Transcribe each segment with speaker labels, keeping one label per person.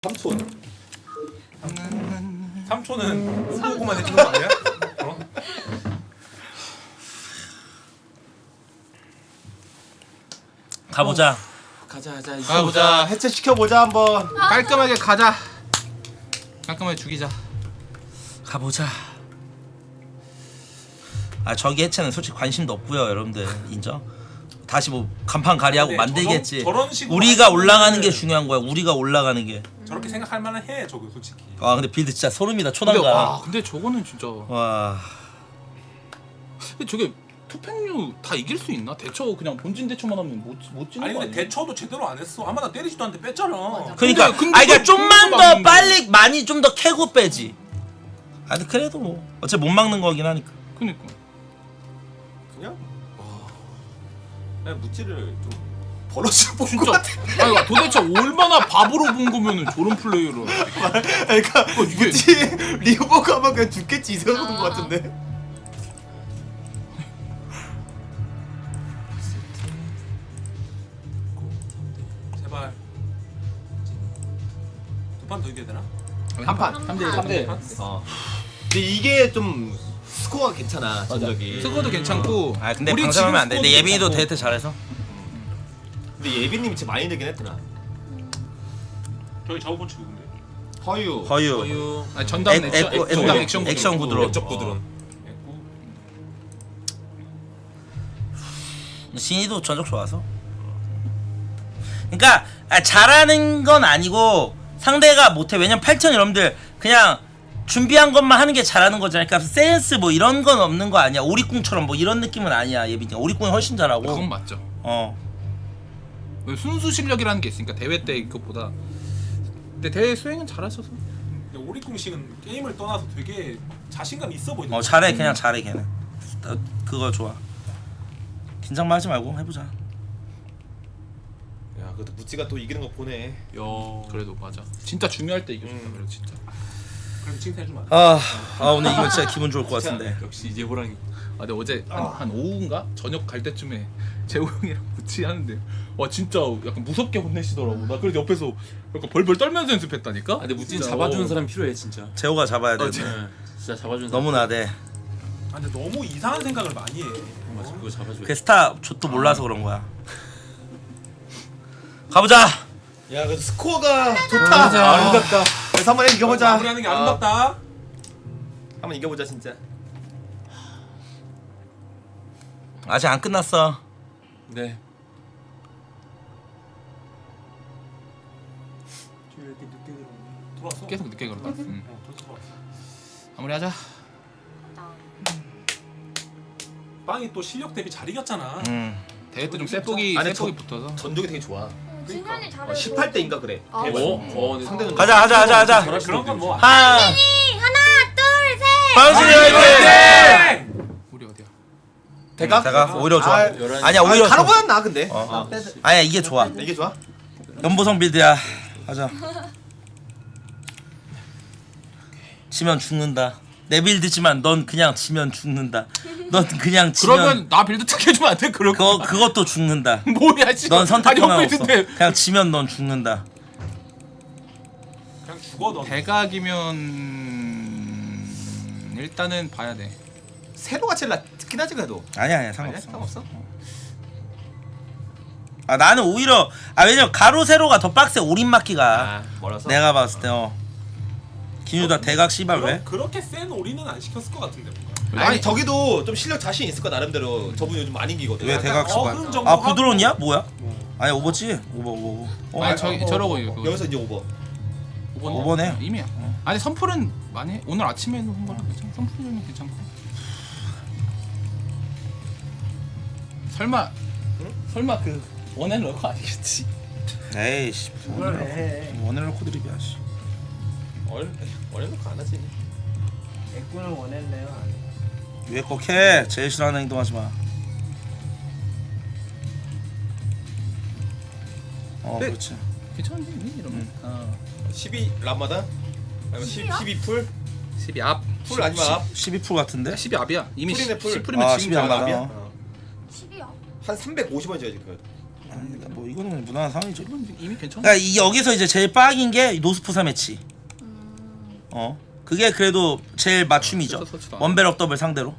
Speaker 1: 삼촌.
Speaker 2: 삼촌은 오고만 해주는 거 아니야? 어?
Speaker 3: 가보자.
Speaker 1: 가보자. 해체 시켜보자 한번.
Speaker 4: 깔끔하게 가자. 깔끔하게 죽이자.
Speaker 3: 가보자. 아 저기 해체는 솔직히 관심도 없고요, 여러분들 인정. 다시 뭐 간판 가리하고
Speaker 2: 네,
Speaker 3: 만들겠지.
Speaker 2: 저런 식으로
Speaker 3: 우리가
Speaker 2: 하면은
Speaker 3: 올라가는 게 중요한 거야. 우리가 올라가는 게.
Speaker 2: 저렇게 생각할 만한 해 저거 솔직히.
Speaker 3: 아 근데 빌드 진짜 소름이다.
Speaker 4: 근데
Speaker 3: 초단가.
Speaker 4: 근데 저거는 진짜.
Speaker 3: 와.
Speaker 4: 근데 저게 투팩류 다 이길 수 있나? 대처 그냥 본진 대처만 하면 못 찍는
Speaker 2: 아니
Speaker 4: 거
Speaker 2: 근데
Speaker 4: 아니야?
Speaker 2: 대처도 제대로 안 했어. 아마 나 때리지도 않는데 뺐잖아.
Speaker 3: 그러니까
Speaker 4: 근데
Speaker 3: 아 그러니까 좀만
Speaker 4: 그거
Speaker 3: 더
Speaker 4: 막는데.
Speaker 3: 빨리 많이 좀 더 캐고 빼지. 아 근데 그래도 뭐 어차피 못 막는 거긴 하니까.
Speaker 4: 그니까.
Speaker 1: 그냥 그냥 무찌를 좀 버러지로 본것
Speaker 4: 진짜.
Speaker 1: 같아.
Speaker 4: 아니 도대체 얼마나 바보로 본 거면은 저런 플레이를.
Speaker 1: 그러니까
Speaker 4: 이게-
Speaker 1: 무찌 리오버 가면 그냥 죽겠지 이 생각하는 것 같은데.
Speaker 2: 제발. 두 판 더 이겨야 되나?
Speaker 1: 한 판.
Speaker 4: 3대1.
Speaker 1: 어. 근데 이게 좀 스코어가 괜찮아 전적이.
Speaker 4: 스코어도 괜찮고.
Speaker 3: 아 근데
Speaker 4: 우리
Speaker 3: 방심하면
Speaker 4: 지금
Speaker 3: 안 돼. 근데
Speaker 4: 스코어도
Speaker 3: 예빈이도
Speaker 4: 괜찮고.
Speaker 3: 데이트 잘해서.
Speaker 1: 근데 예빈님이 진짜 많이 되긴 했더라.
Speaker 2: 저기 좌우번 치고 근데.
Speaker 1: 허유.
Speaker 3: 허유.
Speaker 4: 아니, 전담 전담
Speaker 3: 액션 구드론.
Speaker 1: 역적 구드론.
Speaker 2: 했고.
Speaker 3: 신이도 전적 좋아서. 그러니까 잘하는 건 아니고 상대가 못해. 왜냐면 8천 여러분들 그냥 준비한 것만 하는 게 잘하는 거잖아요. 그러니까 센스 뭐 이런 건 없는 거 아니야. 오리꿍처럼 뭐 이런 느낌은 아니야. 예빈이 오리꿍이 훨씬 잘하고.
Speaker 4: 그건 맞죠. 순수 실력이라는 게 있으니까 대회 때 그것보다. 근데 대회 수행은 잘하셔서.
Speaker 2: 근데 오리꿍식은 게임을 떠나서 되게 자신감 있어 보이는.
Speaker 3: 잘해. 그냥 잘해 걔는. 그거 좋아. 긴장만 하지 말고 해보자.
Speaker 1: 야 그래도 무찌가 또 이기는 거 보네.
Speaker 2: 야.
Speaker 4: 그래도 맞아. 진짜 중요할 때 이겨준다. 그래 진짜.
Speaker 2: 그럼 칭찬해주면 안 돼?
Speaker 3: 오늘 이거 진짜 기분 좋을 것 같은데.
Speaker 2: 역시 이제 호랑이.
Speaker 4: 아 근데 어제 한 오후인가 저녁 갈 때쯤에 재호 형이랑 같이 하는데 와 진짜 약간 무섭게 혼내시더라고. 나 그래서 옆에서 약간 벌벌 떨면서 연습했다니까.
Speaker 5: 근데 무진
Speaker 4: 진짜,
Speaker 5: 잡아주는 사람 필요해 진짜.
Speaker 3: 재호가 잡아야 돼.
Speaker 5: 진짜 잡아주는 사람.
Speaker 3: 너무 나대.
Speaker 2: 아 근데 너무 이상한 생각을 많이 해.
Speaker 5: 맞아, 그거 잡아줘.
Speaker 3: 그 스타 좆도 몰라서 그런 거야. 가보자.
Speaker 1: 야 그래도 스코어가 좋다.
Speaker 5: 아름답다.
Speaker 1: 그래서 한번 이겨보자.
Speaker 2: 마무리하는 게 아름답다.
Speaker 1: 한번 이겨보자 진짜.
Speaker 3: 아직 안 끝났어.
Speaker 5: 네.
Speaker 2: 왜 이렇게 늦게 들어오니? 들어왔어.
Speaker 4: 계속 늦게 그러다.
Speaker 2: 벌써 들어왔어.
Speaker 4: 마무리하자.
Speaker 2: 빵이 또 실력 대비 잘 이겼잖아.
Speaker 4: 대회 때 좀 세폭이
Speaker 1: 아니,
Speaker 4: 세폭이 붙어서.
Speaker 1: 전적이 되게 좋아.
Speaker 6: 진현이 잘해.
Speaker 1: 18대인가 그래.
Speaker 6: 아,
Speaker 1: 대박.
Speaker 5: 네.
Speaker 1: 상대는
Speaker 3: 가자.
Speaker 2: 그런 건 뭐.
Speaker 3: 하나,
Speaker 6: 하나, 둘, 셋.
Speaker 3: 방신이 화이팅!
Speaker 4: 우리 어디야?
Speaker 1: 대가?
Speaker 3: 오히려 좋아.
Speaker 5: 아,
Speaker 3: 아니야 오히려 좋아.
Speaker 1: 가로보단 나 근데.
Speaker 3: 아니야 이게 좋아.
Speaker 1: 이게 좋아?
Speaker 3: 연보성 빌드야. 가자. 지면 죽는다. 내 빌드지만 넌 그냥 지면 죽는다. 넌 그냥 지면
Speaker 4: 그러면 나 빌드 특혜 주면 안 돼? 그럴 거.
Speaker 3: 그것도 죽는다.
Speaker 4: 뭐야 씨.
Speaker 3: 넌 선택권은
Speaker 4: 아니,
Speaker 3: 없어.
Speaker 4: 빌드인데.
Speaker 3: 그냥 지면 넌 죽는다.
Speaker 2: 그냥 죽어 너.
Speaker 4: 대각이면 일단은 봐야 돼.
Speaker 1: 세로가 제일 낫긴 하지 그래도.
Speaker 3: 아니야 상관없어.
Speaker 1: 상관없어?
Speaker 3: 나는 오히려 왜냐면 가로 세로가 더 빡세. 올인 맞기가.
Speaker 1: 멀어서.
Speaker 3: 내가 봤을 때 김유다 대각 씨발 왜?
Speaker 2: 그렇게 센 올인은 안 시켰을 것 같은데 뭔가.
Speaker 1: 아니 저기도 좀 실력 자신 있을 거 나름대로. 저분 요즘 많이 이기거든.
Speaker 3: 왜 대각 씨발?
Speaker 2: 어느 정도
Speaker 3: 아 부드러운이야?
Speaker 2: 하고.
Speaker 3: 뭐야? 아니 오버지? 오버.
Speaker 4: 아니 저러고 이거.
Speaker 1: 여기서 이제 오버.
Speaker 3: 5번에
Speaker 4: 이미야. 아니 선풀은 많이 해. 오늘 아침에 한 거랑 괜찮아. 선풀은 괜찮고. 설마 설마 그 원앤 러커 아니겠지?
Speaker 3: 에이씨 원을 코드립이야 씨.
Speaker 1: 어려운 거 안 하지.
Speaker 7: 액군을 원했네요.
Speaker 3: 위에 kok해. 제일 싫어하는 행동하지 마.
Speaker 4: 네.
Speaker 3: 그렇지.
Speaker 4: 괜찮은데 이미 이러면.
Speaker 1: 12 람마다? 아니면 12풀?
Speaker 4: 12 앞.
Speaker 1: 풀 아니면 앞?
Speaker 3: 12% 같은데?
Speaker 4: 12 앞이야. 이미
Speaker 1: 풀이네, 풀.
Speaker 4: 10풀이면
Speaker 3: 아,
Speaker 4: 지금
Speaker 3: 12 안
Speaker 4: 다
Speaker 3: 가나?
Speaker 4: 앞이야.
Speaker 6: 10이야.
Speaker 1: 한 350원 줘야지 그래도.
Speaker 3: 뭐 이거는 무난한 상황이죠.
Speaker 4: 이미 괜찮아.
Speaker 3: 그러니까 여기서 이제 제일 빡인 게 노스포사 매치. 그게 그래도 제일 맞춤이죠.
Speaker 4: 서치도 안
Speaker 3: 원벨업 더블 상대로.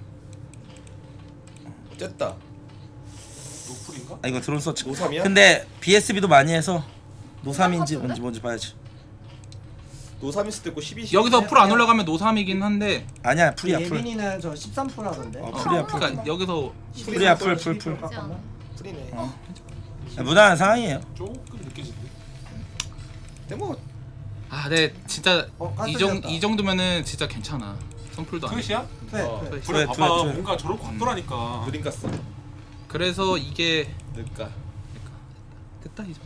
Speaker 1: 쨌다.
Speaker 2: 노플인가?
Speaker 3: 아 이거 드론 서치.
Speaker 1: 노삼이야?
Speaker 3: 근데 BSB도 많이 해서 노삼인지 뭔지 봐야지.
Speaker 1: 노삼일 수도 있고 12.
Speaker 4: 여기서 풀 안 올라가면 노삼이긴 한데.
Speaker 3: 아니야 풀이야 풀.
Speaker 7: 예빈이는 저 13%라던데.
Speaker 3: 풀이야 풀.
Speaker 4: 그러니까 여기서
Speaker 3: 풀이야 풀.
Speaker 1: 풀이네.
Speaker 3: 무난한 상황이에요.
Speaker 2: 조금 느껴지는데.
Speaker 1: 근데 뭐
Speaker 4: 네 진짜
Speaker 7: 가스
Speaker 4: 이
Speaker 7: 지었다.
Speaker 4: 정도면은 진짜 괜찮아. 선풀도 안 해.
Speaker 2: 트윗이야?
Speaker 7: 네.
Speaker 2: 그래
Speaker 3: 투에,
Speaker 2: 봐봐
Speaker 3: 투에.
Speaker 2: 뭔가 저렇게 각도라니까.
Speaker 1: 그림 갔어.
Speaker 4: 그래서 이게
Speaker 1: 그러니까.
Speaker 4: 됐다 이제.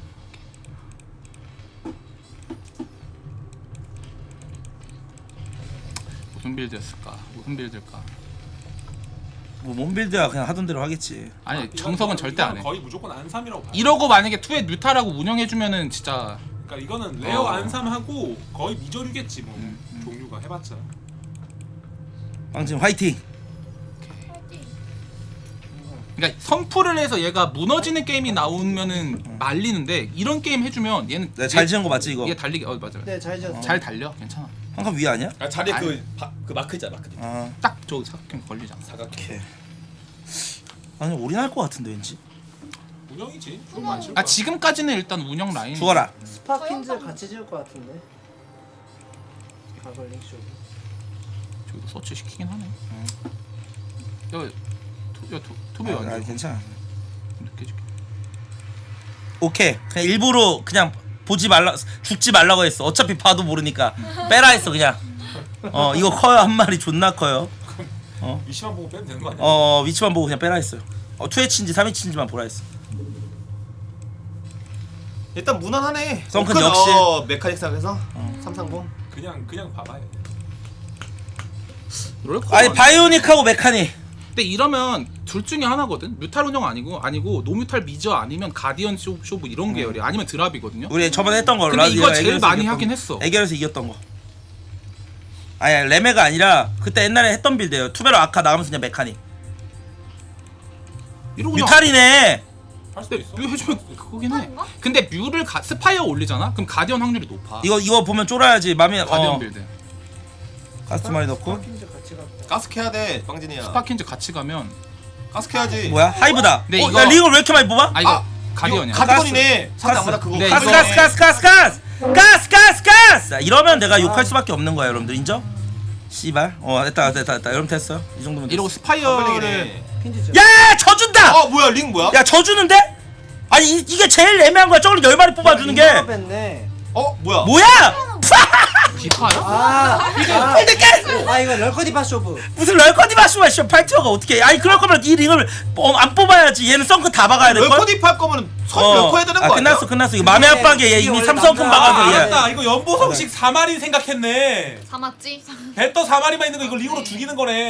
Speaker 4: 무슨 빌드였을까? 무슨 빌드일까?
Speaker 3: 뭐 몸빌드야 그냥 하던 대로 하겠지.
Speaker 4: 아니 정석은 절대 안 해.
Speaker 2: 거의 무조건 안삼이라고 봐.
Speaker 4: 이러고 만약에 투에 뮤타라고 운영해주면은 진짜
Speaker 2: 그러니까 이거는 레어 안삼하고 거의 미저류겠지 뭐 종류가 해봤자.
Speaker 3: 빵진 화이팅.
Speaker 4: 그러니까 선풀을 해서 얘가 무너지는 게임이 나오면은 말리는데 이런 게임 해주면 얘는
Speaker 3: 내가 잘 지은 거 맞지 이거?
Speaker 4: 얘 달리기 맞아.
Speaker 7: 네, 잘 지었어.
Speaker 4: 잘 달려 괜찮아.
Speaker 3: 한칸 위에 아니야?
Speaker 1: 아 자리에
Speaker 4: 아니.
Speaker 1: 그 마크 있잖아 마크.
Speaker 3: 아
Speaker 4: 딱저 사각형 걸리잖아.
Speaker 1: 사각형.
Speaker 3: 오케이. 아니 올인할 것 같은데 왠지.
Speaker 2: 운영이지.
Speaker 4: 아 지금까지는 일단 운영 라인.
Speaker 3: 죽어라.
Speaker 7: 스파킨즈 같이 지을 것 같은데. 가글링 쇼.
Speaker 4: 저기도 서치 시키긴 하네. 투비
Speaker 3: 아,
Speaker 4: 완전
Speaker 3: 괜찮아.
Speaker 4: 느껴지게.
Speaker 3: 오케이. 그냥 일부러 그냥 보지 말라 죽지 말라고 했어. 어차피 봐도 모르니까 빼라 했어 그냥. 이거 커요 한 마리 존나 커요.
Speaker 2: 위치만 보고 빼면 되는 거 아니야?
Speaker 3: 위치만 보고 그냥 빼라 했어요. 2회치인지 3회치인지만 보라 했어.
Speaker 1: 일단 무난하네.
Speaker 3: 썬큰
Speaker 1: 오큰,
Speaker 3: 역시.
Speaker 1: 메카닉상에서 330.
Speaker 2: 그냥 봐봐요.
Speaker 3: 아니 바이오닉하고 메카닉.
Speaker 4: 근데 이러면 둘 중에 하나거든. 뮤탈 운영 아니고 노뮤탈 미저 아니면 가디언 쇼브 이런 계열이 아니면 드랍이거든요.
Speaker 3: 우리 저번에 했던 거.
Speaker 4: 근데 이거 제일
Speaker 3: 애결에서
Speaker 4: 많이
Speaker 3: 이겼던
Speaker 4: 하긴
Speaker 3: 거.
Speaker 4: 했어.
Speaker 3: 애결에서 이겼던 거. 아니야 레메가 아니라 그때 옛날에 했던 빌드예요. 투베로 아카 나가면서 그냥 메카닉.
Speaker 4: 이러고 그냥
Speaker 3: 뮤탈이네.
Speaker 2: 할 수도
Speaker 4: 근데
Speaker 2: 있어.
Speaker 4: 뮤 해주면 그거긴 해.
Speaker 6: 그런가?
Speaker 4: 근데 뮤를 스파이어 올리잖아. 그럼 가디언 확률이 높아.
Speaker 3: 이거 보면 쫄아야지. 맘에
Speaker 4: 가디언 빌드.
Speaker 3: 가스 두 마리 넣고.
Speaker 7: 스파킨즈 같이 갔다.
Speaker 1: 가스케야 돼 빵진이야.
Speaker 4: 스파킨즈 같이 가면
Speaker 1: 가스케야지.
Speaker 3: 뭐야? 하이브다.
Speaker 4: 네,
Speaker 3: 야
Speaker 4: 이거-
Speaker 3: 리걸 왜 이렇게 많이 뽑아?
Speaker 4: 아 이거 가디언이야.
Speaker 1: 가디언이네. 상대
Speaker 3: 가스.
Speaker 1: 안마다 그거.
Speaker 4: 네,
Speaker 3: 가스
Speaker 4: 이거-
Speaker 3: 가스 가스 가스 가스 가스 가스 가스. 이러면 내가 욕할 수밖에 없는 거야 여러분들 인정? 씨발. 됐다. 여러분 됐어. 이 정도면 됐어.
Speaker 4: 이러고 스파이어를
Speaker 1: 네
Speaker 7: 핀즈 지었어.
Speaker 3: 야 져준다.
Speaker 1: 뭐야 링 뭐야?
Speaker 3: 야 져주는데? 아니 이게 제일 애매한 거야. 저걸 10마리 뽑아주는 게
Speaker 7: 뺐네.
Speaker 1: 뭐야?
Speaker 3: 뭐야?
Speaker 4: 디파야?
Speaker 7: 이거 럴커디바 쇼브.
Speaker 3: 무슨 럴커디마슈마 씨 파이터가 어떻게? 아니 그럴 거면 이 링을 안 뽑아야지. 얘는 썬크 다 박아야 될 걸.
Speaker 1: 럴커딥 할 거면 선 럴커 해야 되는 거 아니야?
Speaker 3: 끝났어. 이거 맘에 압박에 얘 이미
Speaker 7: 이게
Speaker 3: 삼성큼
Speaker 7: 원래
Speaker 3: 박아서 얘.
Speaker 2: 알았다. 이거 연보성식 4마리 생각했네.
Speaker 6: 사맞지?
Speaker 2: 배떠 4마리만 있는 거 이거 링으로 죽이는 거네.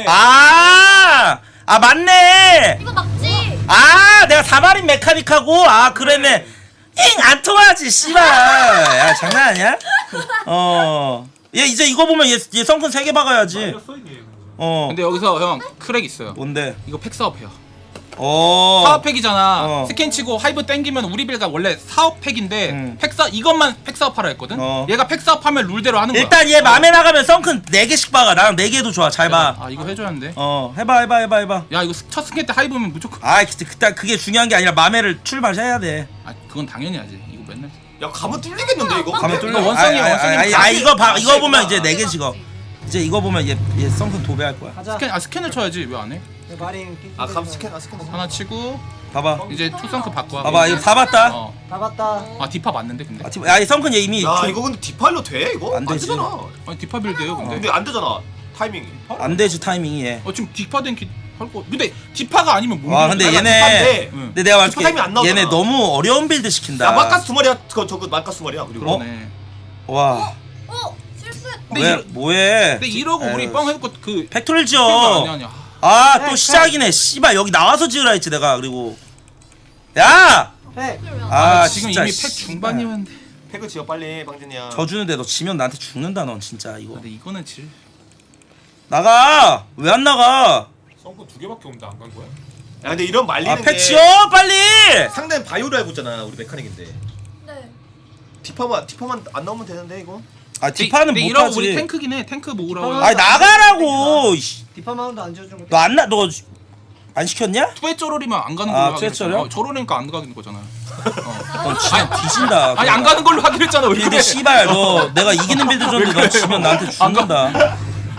Speaker 3: 맞네.
Speaker 6: 이거 맞지?
Speaker 3: 내가 4마린 메카닉하고 그랬네. 잉안 통하지 씨발. 야 장난 아니야? 얘 이제 이거 보면 얘 성큰 3개 박아야지.
Speaker 2: 말렸어 이게.
Speaker 4: 근데 여기서 형 크랙 있어요.
Speaker 3: 뭔데?
Speaker 4: 이거 팩 사업해요. 사업팩이잖아.
Speaker 3: 어.
Speaker 4: 스캔 치고 하이브 땡기면 우리 빌가 원래 사업팩인데
Speaker 3: 팩
Speaker 4: 이것만 팩 사업하라 했거든. 얘가 팩 사업하면 룰대로 하는 거야.
Speaker 3: 일단 얘 맘에 나가면 성큰 4개씩 박아. 나랑 4개도 좋아. 잘 봐.
Speaker 4: 이거 해줘야 하는데.
Speaker 3: 해봐.
Speaker 4: 야 이거 첫 스캔 때 하이브면 무조건.
Speaker 3: 그때 그게 중요한 게 아니라 맘에를 출발해야 돼.
Speaker 4: 그건 당연히 하지. 이거 맨날.
Speaker 1: 야 가면 뚫리겠는데 이거?
Speaker 3: 가면 뚫려.
Speaker 4: 원성이야.
Speaker 3: 이거 보면 이제 4개 찍어. 이제 이거 보면 얘 성큰 도배할 거야.
Speaker 7: 가자.
Speaker 4: 스캔을 쳐야지 왜 안 해?
Speaker 7: 마린
Speaker 1: 감 스캔 스캔.
Speaker 4: 하나 치고
Speaker 3: 봐봐.
Speaker 4: 이제 투성크 바꿔.
Speaker 3: 봐봐 이거 다 봤다.
Speaker 7: 다 봤다.
Speaker 4: 디파 맞는데 근데.
Speaker 3: 이 성큰 얘 이미
Speaker 1: 야 이거 근데 디파일로 돼 이거?
Speaker 3: 안 되지.
Speaker 1: 되잖아.
Speaker 4: 아니 디파 빌드예요 근데.
Speaker 1: 근데 안 되잖아 타이밍이.
Speaker 3: 안 되지 타이밍이 얘.
Speaker 4: 지금 디파 된기 할 거. 근데 디파가 아니면 뭐?
Speaker 3: 근데
Speaker 1: 아니,
Speaker 3: 얘네
Speaker 1: 디파인데.
Speaker 3: 근데 내가 말할게.
Speaker 1: 디파 타이밍 안 나오잖아.
Speaker 3: 얘네 너무 어려운 빌드 시킨다.
Speaker 1: 야 마카스 2마리야. 저거 마카스 2마리야. 그리고
Speaker 4: 그러네.
Speaker 3: 와.
Speaker 6: 실수했다.
Speaker 3: 왜 뭐해?
Speaker 4: 근데 이러고 우리
Speaker 3: 에휴,
Speaker 4: 뻥 해놓고 그
Speaker 3: 팩토리를
Speaker 4: 아니
Speaker 3: 지어.
Speaker 4: 아니야.
Speaker 3: 또 시작이네. 씨발 여기 나와서 지으라 했지 내가. 그리고 야!
Speaker 7: 팩.
Speaker 4: 지금
Speaker 3: 진짜
Speaker 4: 이미 팩
Speaker 3: 씨발.
Speaker 4: 중반이었는데.
Speaker 1: 팩을 지어 빨리 빵진이야.
Speaker 3: 져주는데 너 지면 나한테 죽는다 넌 진짜 이거.
Speaker 4: 근데 이거는 질.
Speaker 3: 나가. 왜 안 나가?
Speaker 2: 성분 2개밖에 없는데 안 간 거야?
Speaker 1: 야 근데 이런 말리는
Speaker 3: 아
Speaker 1: 게
Speaker 3: 패치요 빨리.
Speaker 1: 상대는 바이오를 알고 있잖아 우리 메카닉인데
Speaker 6: 네.
Speaker 1: 디파만 안 나오면 되는데 이거.
Speaker 3: 아 디파는
Speaker 4: 근데 이러고
Speaker 3: 못하지.
Speaker 4: 우리 탱크긴 해. 탱크 모으라고.
Speaker 7: 디파만-
Speaker 3: 아니 나가라고.
Speaker 7: 디파 마운드 안 지어준 거.
Speaker 3: 너 안 시켰냐?
Speaker 4: 투에 쪼로리면 안 가는
Speaker 3: 아,
Speaker 4: 걸로
Speaker 3: 투에
Speaker 4: 하기로 했잖아.
Speaker 3: 쪼로?
Speaker 4: 쪼로리니까 안 가는 거잖아.
Speaker 3: 넌 지면 뒤진다.
Speaker 4: 아니 안 가는 걸로 하기로 했잖아. 왜
Speaker 3: 빌드
Speaker 4: 그래?
Speaker 3: 씨발 너 내가 이기는 빌드 줬는데 너 지면 나한테 죽는다.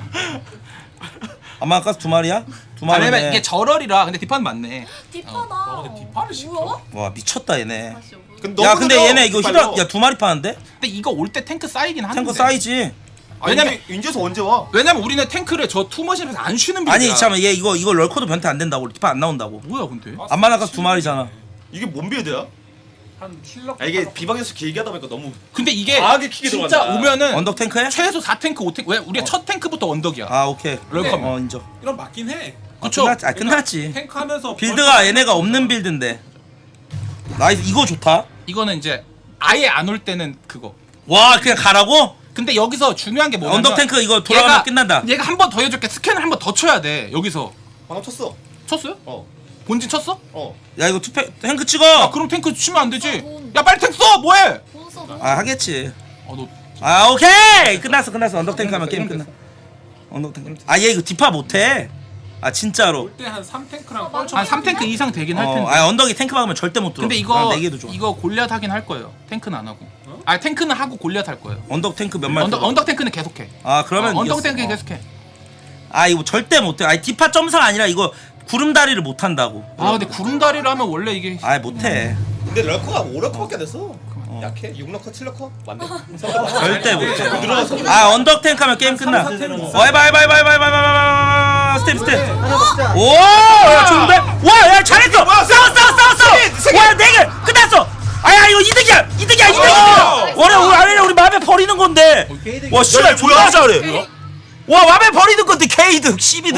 Speaker 3: 아마 가스 두 마리야? 두
Speaker 4: 아니면
Speaker 3: 마리네.
Speaker 4: 이게 저럴이라 근데 디파는 맞네.
Speaker 6: 디파다.
Speaker 2: 근데 디파를 시켜?
Speaker 6: 뭐야?
Speaker 3: 와 미쳤다 얘네.
Speaker 6: 다시 오브.
Speaker 1: 근데
Speaker 3: 야
Speaker 1: 너무
Speaker 3: 근데
Speaker 1: 느려,
Speaker 3: 얘네 이거
Speaker 1: 디파요.
Speaker 3: 히라 야두 마리 파는데?
Speaker 4: 근데 이거 올 때 탱크 쌓이긴 하는데.
Speaker 3: 탱커 사이지.
Speaker 1: 아니,
Speaker 4: 왜냐면-
Speaker 1: 인제서 언제 와?
Speaker 4: 왜냐면 우리는 탱크를 저 투머신에서 안 쉬는 빌드야.
Speaker 3: 아니 잠깐만 얘 이거 럴커도 변태 안 된다고 디파 안 나온다고.
Speaker 4: 뭐야 근데?
Speaker 3: 안마나 가스 두 마리잖아.
Speaker 1: 이게 뭔 빌드야?
Speaker 2: 한 킬러.
Speaker 1: 아 이게 비방에서 길게 하다 보니까 너무
Speaker 4: 근데 이게
Speaker 1: 과하게 킥이
Speaker 4: 진짜
Speaker 1: 들어간다.
Speaker 4: 오면은
Speaker 3: 언덕 탱크야?
Speaker 4: 최소 4탱크 5탱크 왜 우리가 첫 탱크부터 언덕이야.
Speaker 3: 아 오케이.
Speaker 4: 럴커면.
Speaker 3: 어 인정.
Speaker 2: 이런 맞긴 해.
Speaker 4: 그쵸?
Speaker 3: 끝났지.
Speaker 2: 탱크 하면서
Speaker 3: 빌드가 얘네가 없는 빌드인데. 나이스 이거 좋다.
Speaker 4: 이거는 이제 아예 안 올 때는 그거.
Speaker 3: 와 그냥 가라고?
Speaker 4: 근데 여기서 중요한 게 뭐냐면
Speaker 3: 언덕 탱크 이거 돌아가면 끝난다.
Speaker 4: 얘가 한 번 더 해줄게. 스캔을 한 번 더 쳐야 돼. 여기서
Speaker 1: 방금 쳤어.
Speaker 4: 쳤어요?
Speaker 1: 어.
Speaker 4: 본진 쳤어?
Speaker 1: 어.
Speaker 3: 야 이거 탱크
Speaker 4: 아
Speaker 3: 찍어.
Speaker 4: 그럼 탱크 치면 안 되지.
Speaker 6: 돈.
Speaker 4: 야 빨리 탱크 써. 뭐해?
Speaker 6: 돈 써. 돈.
Speaker 3: 아 하겠지.
Speaker 4: 너
Speaker 3: 아 오케이 끝났어 언덕 탱크 하면 게임 끝나. 언덕 탱크. 아 얘 이거 디파 못해. 아 진짜로.
Speaker 2: 올때한 3탱크랑
Speaker 6: 어,
Speaker 2: 뻘쳐.
Speaker 4: 한 3탱크 이상 되긴 할 텐데.
Speaker 3: 아 언덕이 탱크 박으면 절대 못 들어.
Speaker 4: 근데 이거
Speaker 3: 네 개도 좋아.
Speaker 4: 이거 골리앗 하긴 할 거예요. 탱크는 안 하고. 아 탱크는 하고 골리앗 할 거예요.
Speaker 3: 언덕 탱크 몇 마리?
Speaker 4: 언덕 탱크는 계속해.
Speaker 3: 아 그러면
Speaker 4: 언덕
Speaker 3: 이겼어.
Speaker 4: 탱크
Speaker 3: 어.
Speaker 4: 계속해.
Speaker 3: 아 이거 절대 못해. 아니 디파 점상 아니라 이거 구름다리를 못 한다고.
Speaker 4: 아 근데 구름다리를 하면 원래 이게
Speaker 3: 아 못해.
Speaker 1: 근데 럴커가 5럴커밖에 안 됐어. 약해? 6럴커 7럴커? 맞네.
Speaker 3: 절대 못해.
Speaker 1: 늘어나서.
Speaker 3: 아 언덕 탱크 하면 게임 끝나. 해봐. 스텝.
Speaker 7: 하나 먹자.
Speaker 3: 오, 야 좋은데? 와, 야 잘했어. 싸웠어. 와, 내게 끝났어. 아야 이거 이득이야. 우리 맘에 버리는 건데. 와, 씨발 존나 잘해. 와, 맘에 버리는 건데 K득, 12득.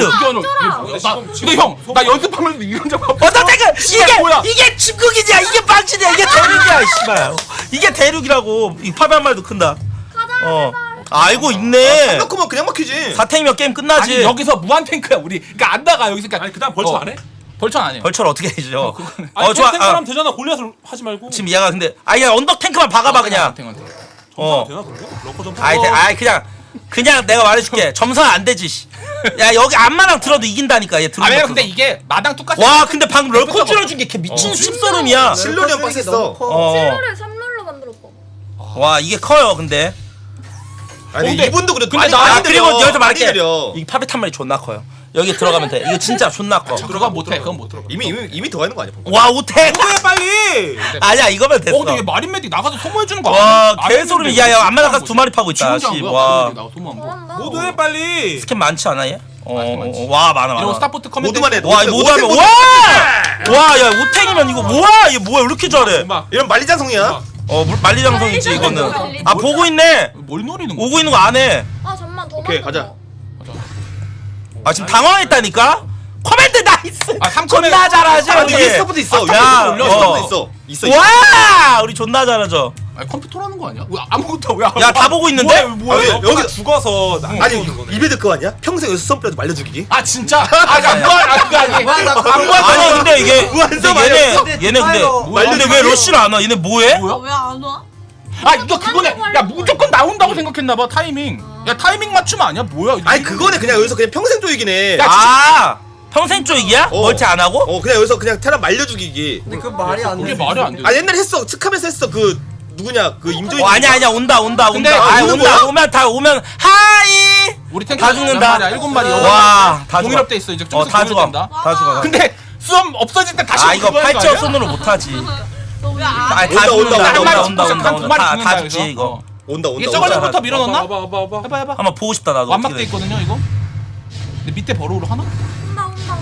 Speaker 4: 근데 형나 연습하면서 이런 적 없어.
Speaker 3: 언덕 탱크 이게 침국이냐? 이게 빵치냐? 이게 대륙이야, 씨발. 이게 대륙이라고. 이 파배 한 마리도 큰다. 어. 알고 있네.
Speaker 1: 3럴커면 그냥 막히지.
Speaker 3: 사탱이면 게임 끝나지.
Speaker 4: 아니 여기서 무한 탱크야 우리. 그러니까 안 나가 여기서. 그러니까
Speaker 2: 아니 그다음 벌쳐 안 해?
Speaker 4: 벌천 안 해.
Speaker 3: 벌처를 어떻게 해줘?
Speaker 2: 아니
Speaker 3: 좋아.
Speaker 2: 탱크하면 되잖아. 골리앗을 하지 말고.
Speaker 3: 지금 얘가 근데 아야 언덕 탱크만 박아봐 그냥.
Speaker 4: 탱크한테.
Speaker 3: 어.
Speaker 2: 되나 근데? 럭커 좀.
Speaker 3: 아이 그냥 내가 말해줄게. 점선 안 되지. 씨. 야 여기 앞마당 들어도 이긴다니까 얘 들어.
Speaker 4: 아 왜냐면 근데 이게 마당 똑같이.
Speaker 3: 와 근데 방금 럴커 줄여준 게 걔 미친 씹소름이야.
Speaker 1: 실로리 형 빡셌어.
Speaker 3: 어.
Speaker 6: 실로를 3롤로 만들었어.
Speaker 3: 와 이게 커요 근데.
Speaker 1: 아니
Speaker 4: 근데-
Speaker 1: 이분도 그래도
Speaker 4: 근데
Speaker 1: 많이
Speaker 3: 아 그리고
Speaker 1: 느려.
Speaker 3: 여기서
Speaker 1: 많이
Speaker 3: 말할게.
Speaker 1: 느려.
Speaker 3: 이 파베 탄 말이 존나 커요. 여기 들어가면 돼. 이거 진짜 존나 커.
Speaker 4: 그건 못해. 그건 못 들어.
Speaker 1: 이미 더 하는 거 아니야?
Speaker 3: 와 오택.
Speaker 1: 빨리.
Speaker 3: 아니야 이거면 됐어.
Speaker 4: 근데 얘 마린 메딕 나가서 소모해 주는 거
Speaker 3: 와
Speaker 4: 아니야?
Speaker 3: 개소름. 야야 앞마당 가서 두 마리 파고 있다. 씨. 와
Speaker 4: 나 소모 안 봐.
Speaker 6: 잘한다.
Speaker 2: 모두 해 빨리.
Speaker 3: 스캔 많지 않아 얘?
Speaker 4: 많지, 많지.
Speaker 3: 와 많아.
Speaker 4: 이러고 스타포트 커맨드.
Speaker 1: 모두만 해.
Speaker 3: 와 이거 모두하면
Speaker 1: 모두.
Speaker 3: 와야 오탱이면 이거 뭐야 얘 뭐야 왜 이렇게 잘해?
Speaker 2: 음악.
Speaker 1: 이런 만리장성이야.
Speaker 3: 만리장성이지 이거는. 아 보고 있네.
Speaker 4: 뭘 노리는 거야?
Speaker 3: 오고 있는 거 안 해.
Speaker 6: 아 잠만 더.
Speaker 1: 오케이,
Speaker 6: 만들어.
Speaker 1: 가자.
Speaker 3: 아 지금 당황했다니까. 커맨드 나이스.
Speaker 4: 아, 3컴에
Speaker 3: 존나 잘하지.
Speaker 1: 아, 근데 위에 스타포트 있어.
Speaker 3: 야,
Speaker 1: 올려.
Speaker 3: 어.
Speaker 1: 스타포트 있어.
Speaker 3: 와 우리 존나 잘하죠.
Speaker 4: 아니 컴퓨터라는 거 아니야? 왜 아무것도 왜?
Speaker 3: 야 다 보고 있는데?
Speaker 1: 뭐야? 여기
Speaker 2: 여기 죽어서
Speaker 1: 아니 입에 그거 아니야? 평생 여기서 썸프라도 말려 죽이기?
Speaker 4: 아 진짜? 그거 아니.
Speaker 3: 아니 근데 이게
Speaker 1: 무한성
Speaker 3: 얘네
Speaker 7: 아니었어?
Speaker 3: 얘네 근데
Speaker 7: 디파이로.
Speaker 3: 근데 왜 러쉬를 안 와? 얘네 뭐해?
Speaker 6: 왜안 와?
Speaker 4: 아 이거 그거네. 야 무조건 나온다고 생각했나 봐 타이밍. 야 타이밍 맞춤 아니야? 뭐야? 이거?
Speaker 1: 아니 그거는 그냥 여기서 그냥 평생 조이긴 해.
Speaker 4: 야,
Speaker 3: 아 평생 쪽이야?
Speaker 1: 어.
Speaker 3: 멀티 안 하고?
Speaker 1: 그냥 여기서 그냥 테란 말려 죽이기.
Speaker 7: 근데 그 말이 안
Speaker 4: 그게
Speaker 7: 돼.
Speaker 4: 말이 안 돼.
Speaker 1: 아 옛날에 했어. 측하면서 했어. 그 누구냐? 그 임조인.
Speaker 3: 아니야 온다
Speaker 4: 근데
Speaker 3: 아
Speaker 1: 오는
Speaker 3: 온다
Speaker 1: 거야?
Speaker 3: 오면 다 오면 하이
Speaker 4: 우리 탱크
Speaker 3: 다 죽는다.
Speaker 4: 7마리
Speaker 3: 와다 죽어.
Speaker 4: 동일업돼 있어 이제 좀
Speaker 3: 다 죽어.
Speaker 4: 된다.
Speaker 3: 다 죽어.
Speaker 4: 근데 수험 없어질 때 다시
Speaker 3: 아 이거
Speaker 4: 그거 하는 거
Speaker 3: 팔찌어
Speaker 4: 아니야?
Speaker 3: 손으로 못하지.
Speaker 6: 너왜안
Speaker 3: 아,
Speaker 1: 온다,
Speaker 3: 다 죽는다.
Speaker 1: 온다,
Speaker 3: 온다
Speaker 1: 온다,
Speaker 3: 온다
Speaker 4: 한 두 마리
Speaker 3: 다
Speaker 4: 죽는다,
Speaker 3: 죽지
Speaker 4: 여기서.
Speaker 3: 이거.
Speaker 1: 온다.
Speaker 4: 이게
Speaker 1: 온다.
Speaker 4: 저걸부터 밀어넣나?
Speaker 2: 봐봐.
Speaker 4: 해봐.
Speaker 3: 한번 보고 싶다 나도.
Speaker 4: 완막돼
Speaker 3: 어떻게 돼.
Speaker 4: 있거든요 이거. 근데 밑에 버로우로 하나?
Speaker 6: 온다.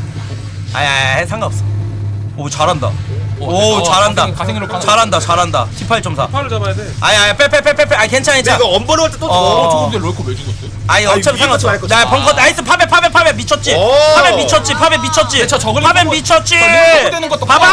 Speaker 3: 아야 상관없어. 오 잘한다. 오
Speaker 4: 어,
Speaker 3: 잘한다.
Speaker 4: 가생으로 가는
Speaker 3: 잘한다. T8.4.
Speaker 2: 팔을 잡아야 돼.
Speaker 3: 아야 빼. 아 괜찮아.
Speaker 1: 근데 이거 언버로 할 때 또
Speaker 3: 어.
Speaker 1: 죽어.
Speaker 4: 근데 럴커 왜 죽었어요?
Speaker 3: 아니 어차피
Speaker 1: 위에
Speaker 3: 상관없어.
Speaker 1: 것도
Speaker 3: 나
Speaker 1: 할
Speaker 3: 벙커 나이스 파베 미쳤지.
Speaker 1: 오.
Speaker 3: 파베 미쳤지.
Speaker 4: 저 저걸
Speaker 3: 파베
Speaker 4: 보고-
Speaker 3: 미쳤지.
Speaker 4: 저 리모컨 되는 것도
Speaker 3: 봐봐.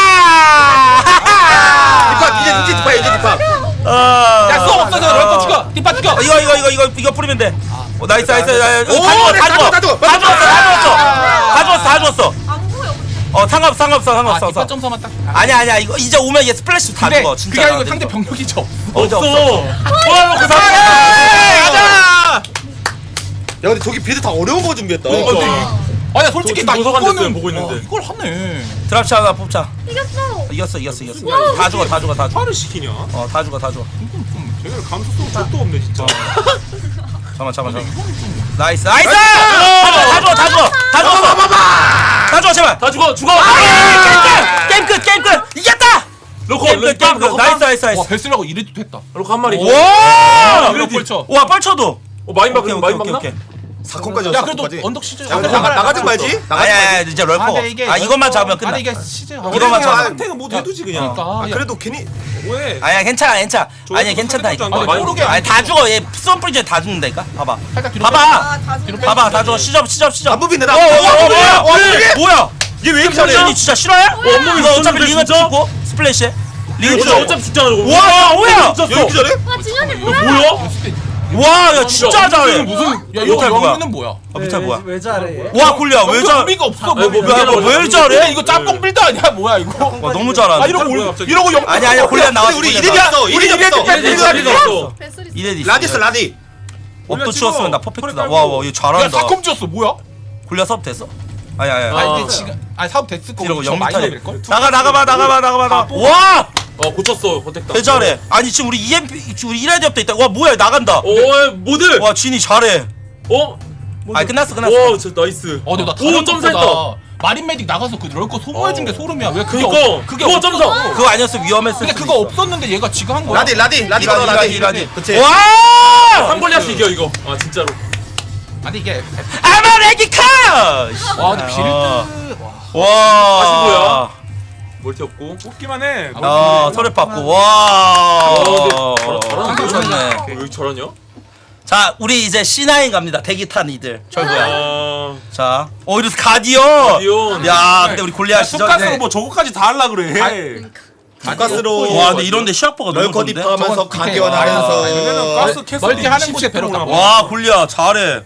Speaker 1: 디파 이제 디파.
Speaker 4: 야 수험 없어져 럴커 죽여. 뒷바 죽여.
Speaker 3: 이거 뿌리면 돼. 나이스.
Speaker 1: 오,
Speaker 3: 다 죽었어.
Speaker 6: 안 보여.
Speaker 3: 상관없어.
Speaker 4: 뒷받점서만 딱.
Speaker 3: 아니야 이거 이제 오면 얘 스플래시 다
Speaker 4: 그래,
Speaker 3: 죽어 진짜.
Speaker 4: 그게 아니고
Speaker 3: 나
Speaker 4: 상대
Speaker 3: 이거.
Speaker 4: 병력이 저.
Speaker 3: 없어.
Speaker 5: 와, 가자.
Speaker 1: 야 근데 저기 빌드 다 어려운 거 준비했다.
Speaker 4: 아니 솔직히 나
Speaker 5: 도서관
Speaker 4: 이거는
Speaker 5: 됐어요, 보고 있는데.
Speaker 4: 와, 이걸 하네.
Speaker 3: 드랍차 하나 뽑자.
Speaker 6: 이겼어.
Speaker 3: 이겼어. 다 죽어.
Speaker 2: 화를 시키냐?
Speaker 3: 다 죽어.
Speaker 2: 쟤네들 감수성 족도 없네 진짜.
Speaker 3: 잠깐만. 나이스. 다 죽어 제발.
Speaker 5: 다 죽어.
Speaker 3: 게임 끝. 이겼다.
Speaker 5: 로커,
Speaker 3: 게임 끝. 나이스.
Speaker 4: 와 벨스라고 이래도 됐다.
Speaker 5: 로커 한 마리.
Speaker 3: 와.
Speaker 4: 이거 펼쳐.
Speaker 3: 와 뻘쳐도.
Speaker 5: 마인 박나? 마인 박나?
Speaker 3: 오케이.
Speaker 1: 4콘까지
Speaker 4: 야 그래도 언덕 시즌.
Speaker 1: 나가지 말지.
Speaker 3: 아야 이제 럴커. 이것만 잡으면 끝나.
Speaker 4: 아니 이게 시즌.
Speaker 3: 이거만 잡아.
Speaker 2: 상태가 뭐 해두지 그냥.
Speaker 4: 그러니까.
Speaker 1: 그래도 괜히
Speaker 2: 왜?
Speaker 3: 아니야 괜찮아. 아니야 괜찮다 이거.
Speaker 2: 아니,
Speaker 4: 모르게
Speaker 3: 아니 다 죽어. 얘 썸프리 전에 다 죽는다니까. 봐봐.
Speaker 4: 살짝 뒤로.
Speaker 3: 봐봐.
Speaker 6: 아다
Speaker 3: 봐봐 다 죽어. 시접.
Speaker 1: 안부빈데 나.
Speaker 3: 뭐야?
Speaker 1: 얘 왜 이렇게 잘해?
Speaker 3: 정신이 진짜 싫어요? 이거 어차피
Speaker 5: 진짜?
Speaker 3: 링은 죽고 스플래시. 링은
Speaker 5: 어차피
Speaker 3: 죽어.
Speaker 5: 어차피 죽잖아 저거.
Speaker 3: 와 뭐야?
Speaker 1: 얘 왜 이렇게 잘해?
Speaker 6: 와 진현이 뭐야?
Speaker 5: 뭐야?
Speaker 3: 와, 야 진짜 잘해.
Speaker 4: 무슨 야 이거
Speaker 3: 미탈 뭐야?
Speaker 4: 영문은 뭐야?
Speaker 3: 미탈 뭐야?
Speaker 7: 왜 잘해 얘?
Speaker 3: 와 굴려 왜 잘?
Speaker 4: 의미가 없어.
Speaker 5: 아니, 뭐,
Speaker 3: 왜 잘해?
Speaker 4: 이거 짬뽕 빌드 아니야 뭐야 이거?
Speaker 3: 와 너무
Speaker 4: 아
Speaker 3: 잘하네.
Speaker 4: 이러고 영.
Speaker 3: 아니야 골리앗 나왔어.
Speaker 1: 우리
Speaker 3: 골리앗
Speaker 1: 이래디
Speaker 3: 나왔어.
Speaker 1: 왔어. 이래디 왔어.
Speaker 6: 뱃소리.
Speaker 3: 이래디.
Speaker 1: 라디스 라디.
Speaker 3: 업도 치웠으면 나 퍼펙트다.
Speaker 2: 허리
Speaker 3: 와, 얘
Speaker 4: 야
Speaker 3: 잘한다.
Speaker 4: 사콤 지었어 뭐야?
Speaker 3: 골리앗 섭 됐어? 아니야.
Speaker 4: 아니 근데 지금 아니 사업 됐을 거.
Speaker 3: 이러고
Speaker 4: 저 많이
Speaker 3: 영미탈.
Speaker 4: 넘을 걸?
Speaker 3: 나가봐. 와,
Speaker 5: 고쳤어. 컨택다.
Speaker 3: 개 잘해. 아니 지금 우리 EMP 우리 이라디 업도 있다. 와 뭐야 나간다.
Speaker 5: 모드.
Speaker 3: 와 진이 잘해. 아니 끝났어.
Speaker 5: 와, 진짜 나이스.
Speaker 4: 근데 나
Speaker 5: 오,
Speaker 4: 다른
Speaker 5: 점사했다.
Speaker 4: 것보다 마린 메딕 나가서 그 럴거 소모해준 게 소름이야. 왜 그게
Speaker 5: 그니까.
Speaker 4: 그게
Speaker 5: 오,
Speaker 4: 없어?
Speaker 5: 점사.
Speaker 3: 그거 아니었으면 위험했을
Speaker 4: 근데
Speaker 3: 수도
Speaker 4: 그거
Speaker 3: 있어.
Speaker 4: 없었는데 얘가 지금 한 거야.
Speaker 1: 라디 걸어 라디. 그치.
Speaker 3: 와!
Speaker 5: 한골리앗 이겨 이거. 아 진짜로.
Speaker 4: 아니 이게
Speaker 3: 아마레기카!
Speaker 4: 와 근데 빌드
Speaker 3: 와.
Speaker 5: 아시고요. 멀티 없고.
Speaker 2: 뽑기만 해.
Speaker 3: 아, 털에 받고. 와.
Speaker 5: 잘하는데?
Speaker 3: 좋네.
Speaker 5: 왜 이렇게 잘하냐?
Speaker 3: 자, 우리 이제 C9 갑니다. 대기 탄 이들. 철구야.
Speaker 5: 아,
Speaker 3: 자, 이래서 가디언.
Speaker 5: 가디언.
Speaker 3: 야, 근데 우리 골리앗 시절.
Speaker 2: 쑥가스로 뭐 저거까지 다 할라 그래.
Speaker 1: 가스로.
Speaker 3: 와, 근데 이런데 시합버가 너무
Speaker 1: 럴커
Speaker 3: 좋은데.
Speaker 1: 딥하면서
Speaker 4: 저건
Speaker 1: 가디언
Speaker 4: 밑에
Speaker 1: 하면서.
Speaker 2: 얘네는 가스 캐슬
Speaker 4: 멀티 하는 곳에 배로
Speaker 3: 와, 골리앗 잘해.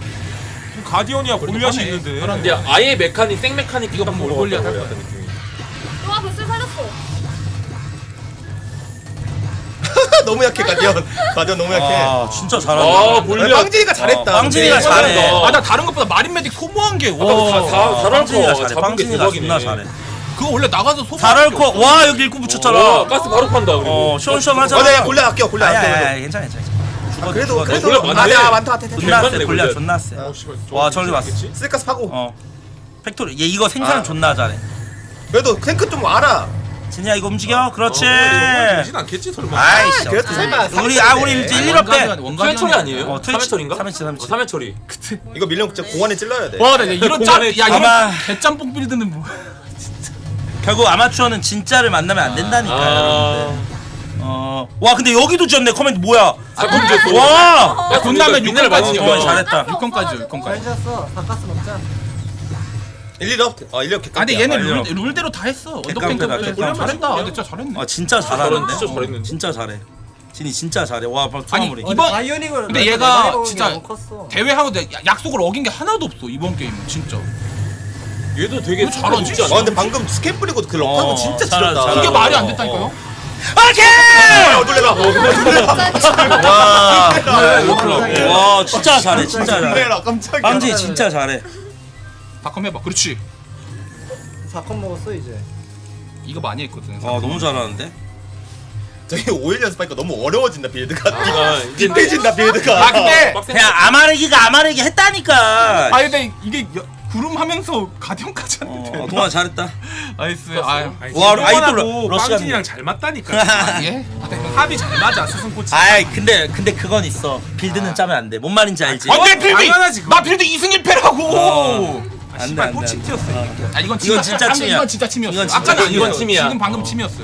Speaker 2: 가디언이야 골리앗이
Speaker 4: 하네.
Speaker 2: 있는데.
Speaker 5: 근데 아예 메카닉 생 메카닉
Speaker 4: 이거
Speaker 5: 딱
Speaker 4: 뭘
Speaker 5: 보고
Speaker 4: 골리앗
Speaker 5: 왔다고
Speaker 4: 할
Speaker 5: 약간 느낌이.
Speaker 6: 와 뱃소리 살렸어.
Speaker 1: 너무 약해 가디언 너무 약해.
Speaker 3: 아, 진짜 잘한다.
Speaker 5: 아, 골리앗.
Speaker 1: 빵진이가 잘했다.
Speaker 3: 빵진이가
Speaker 1: 근데.
Speaker 3: 잘해.
Speaker 4: 아나 다른 것보다 마린 메딕 소모한 게
Speaker 5: 다
Speaker 4: 와.
Speaker 5: 잘할
Speaker 3: 빵진이가
Speaker 5: 거
Speaker 3: 잘해.
Speaker 5: 잡은 게
Speaker 3: 빵진이가
Speaker 5: 대박이네.
Speaker 3: 존나 잘해.
Speaker 4: 그거 원래 나가서 소모.
Speaker 3: 잘할거 와, 여기 일구 붙였잖아.
Speaker 5: 가스 바로 판다 그리고.
Speaker 3: 시원시원하잖아.
Speaker 1: 내가 골라 아껴.
Speaker 3: 괜찮아.
Speaker 1: 그래도
Speaker 5: 골라 많네.
Speaker 1: 많다.
Speaker 3: 존나 세.
Speaker 5: 골리앗.
Speaker 3: 골리앗 존나 세. 와, 저기 봤어.
Speaker 1: 쓸가스 파고.
Speaker 3: 팩토리. 얘 이거 생산
Speaker 1: 아.
Speaker 3: 존나 잘해.
Speaker 1: 그래도 탱크 좀 알아.
Speaker 3: 진이야 이거 움직여. 그렇지.
Speaker 2: 되진 않겠지 설마.
Speaker 3: 아이씨.
Speaker 1: 그래도 설마.
Speaker 3: 우리 이제 1업 때.
Speaker 5: 투회 처리 아니에요?
Speaker 3: 트위치.
Speaker 5: 3회 처리인가?
Speaker 3: 3회치.
Speaker 5: 3회 처리.
Speaker 1: 이거 밀면 진짜 공안에 찔러야 돼.
Speaker 4: 와, 나 이런 짬, 야
Speaker 3: 아마-
Speaker 4: 이런 개짬뽕 빌드는 뭐?
Speaker 3: 결국 아마추어는 진짜를 만나면 안 된다니까요, 여러분들. 와 근데 여기도 지었네. 커맨드 뭐야?
Speaker 5: 사건 줬어.
Speaker 3: 와.
Speaker 4: 야, 돈 나면
Speaker 5: 미네랄
Speaker 4: 6건까지
Speaker 5: 많으니까.
Speaker 3: 잘했다.
Speaker 4: 6건까지 6건까지.
Speaker 7: 잘 잤어. 바카스 먹자.
Speaker 1: 1업. 1업 개깡.
Speaker 4: 아니 얘는
Speaker 3: 알려.
Speaker 4: 룰대로 다 했어. 언덕
Speaker 3: 객관패다,
Speaker 4: 탱크
Speaker 3: 객관패.
Speaker 4: 잘했다. 근데 진짜 잘했네.
Speaker 3: 아 진짜 잘하는데.
Speaker 5: 진짜 잘했는데?
Speaker 3: 진짜 잘해. 진이 진짜 잘해. 와,
Speaker 4: 아니,
Speaker 3: 소마무리.
Speaker 4: 이번-
Speaker 7: 바이오닉을
Speaker 4: 근데 얘가
Speaker 7: 내가
Speaker 4: 진짜
Speaker 7: 너무 컸어.
Speaker 4: 대회하고 약속을 어긴 게 하나도 없어 이번 게임은 진짜.
Speaker 5: 얘도 되게
Speaker 4: 왜 잘하지?
Speaker 5: 쉽지 않아.
Speaker 1: 와 근데 방금 스캔 뿌리고 그 럭하고 진짜
Speaker 3: 잘하네,
Speaker 1: 지렸다.
Speaker 3: 잘하네.
Speaker 4: 이게 말이 안 됐다니까요?
Speaker 3: 오케이!
Speaker 1: 놀래라.
Speaker 3: 와, 진짜 잘해. 진짜 잘해.
Speaker 1: 놀래라 깜짝이야.
Speaker 3: 빵지 진짜 잘해.
Speaker 4: 바컴 해봐. 그렇지.
Speaker 7: 4컷 먹었어 이제.
Speaker 4: 이거 많이 했거든.
Speaker 3: 너무 잘하는데.
Speaker 1: 저기 5일 연습하니까 너무 어려워진다 빌드가.
Speaker 5: 이제
Speaker 1: 빗대진다 빌드가.
Speaker 4: 아 근데
Speaker 3: 그냥 아마르기 했다니까.
Speaker 4: 아 근데 이게 구름 하면서 가디언까지 하는데.
Speaker 3: 동아 잘했다.
Speaker 4: 나이스. 아유.
Speaker 3: 와, 아이돌
Speaker 2: 아이돌
Speaker 3: 러시아
Speaker 2: 빵진이랑 잘 맞다니까.
Speaker 4: 예?
Speaker 2: 합이 잘 맞아 스승 코치.
Speaker 3: 아이 근데 그건 있어. 빌드는 짜면 안 돼. 뭔 말인지 알지?
Speaker 4: 안돼 빌드.
Speaker 2: 당연하지, 그거.
Speaker 4: 나 빌드 2승 1패라고.
Speaker 3: 안 돼,
Speaker 2: 씨발
Speaker 3: 안 돼,
Speaker 2: 또
Speaker 3: 안
Speaker 2: 침
Speaker 3: 돼.
Speaker 2: 튀었어.
Speaker 4: 아 이건
Speaker 3: 이건 진짜 침이야.
Speaker 4: 이건 진짜 침이었어.
Speaker 3: 이건 진짜
Speaker 4: 아까는
Speaker 5: 이건
Speaker 4: 아니에요.
Speaker 5: 침이야.
Speaker 4: 지금 방금 침이었어요.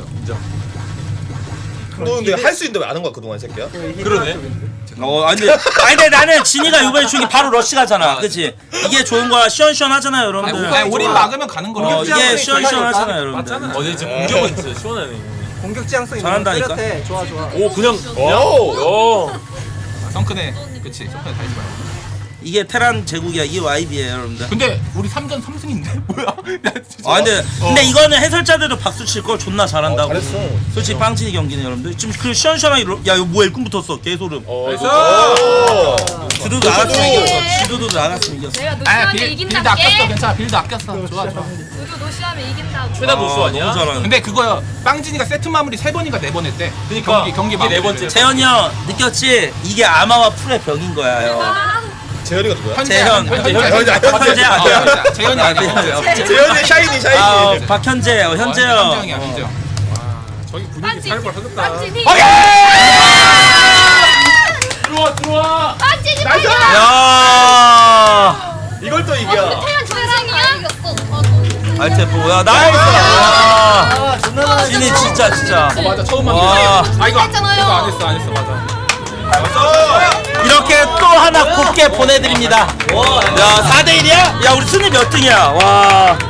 Speaker 1: 너 근데 할 수 있는데 왜 안 한 거야 그동안 이 새끼야?
Speaker 5: 그러네.
Speaker 3: 근데 나는 진이가 이번에 중에 바로 러시 가잖아. 그치? 이게 좋은 거야. 시원시원하잖아요, 여러분들.
Speaker 4: 아니 올인 막으면 가는 거야.
Speaker 3: 이게 시원시원하잖아요, 여러분들.
Speaker 5: 어제 지금 공격은 진짜 시원하네.
Speaker 7: 공격 지향성 있는
Speaker 3: 잘한다니까?
Speaker 7: 거 뚜렷해. 좋아.
Speaker 5: 오 그냥
Speaker 1: 오.
Speaker 5: 야.
Speaker 4: 성큰에 그치 성큰에 달지 마.
Speaker 3: 이게 테란 제국이야. 이게 YB예요, 여러분들.
Speaker 4: 근데 우리 3전 3승인데 뭐야? 야, 진짜.
Speaker 3: 아 근데 이거는 해설자들도 박수 칠 걸 존나 잘한다고.
Speaker 7: 잘했어.
Speaker 3: 솔직히 빵진이 경기는 여러분들 지금 그 시원시원하게 야 이거 뭐야 일꾼 붙었어 개소름. 주도도 나갔으면 이겼어. 주도도 나갔으면 이겼어.
Speaker 6: 내가
Speaker 4: 아,
Speaker 6: 노시하면
Speaker 4: 빌드 아꼈어.
Speaker 6: 이긴다게.
Speaker 4: 괜찮아. 빌드 아꼈어. 좋아.
Speaker 6: 우주 노시하면 이긴다고.
Speaker 5: 최다 노수 아니야?
Speaker 3: 너무 잘하네.
Speaker 4: 근데 그거 빵진이가 세트 마무리 3번인가 4번 했대.
Speaker 5: 그니까
Speaker 4: 경기
Speaker 5: 이게 네 번째.
Speaker 3: 재현이 형 느꼈지? 이게 아마와 풀의 벽인 거야 형.
Speaker 1: 재현이가 누구야?
Speaker 3: 재현.
Speaker 4: 현재
Speaker 3: 현재 아니야.
Speaker 4: 재현이 아니야.
Speaker 1: 재현이 샤이니
Speaker 3: 아 박현재 현재 형.
Speaker 4: 현재형이야. 현재형.
Speaker 2: 저기 분위기
Speaker 6: 빵찐.
Speaker 2: 살벌 하겠다.
Speaker 6: 빵찐이.
Speaker 5: 들어와.
Speaker 6: 빵찐이.
Speaker 3: 야.
Speaker 1: 이걸 또 이겨.
Speaker 6: 태연 정상이야? 이겼어.
Speaker 3: 알테프 야 나이스.
Speaker 7: 아 존나
Speaker 3: 진이 진짜.
Speaker 4: 맞아. 처음
Speaker 3: 와.
Speaker 4: 만났어. 아 이거
Speaker 6: 했잖아요.
Speaker 4: 이거 안 했어. 맞아.
Speaker 3: 이렇게 또 하나 곱게 보내드립니다. 야 4대1이야? 야 우리 순위 몇 등이야? 와.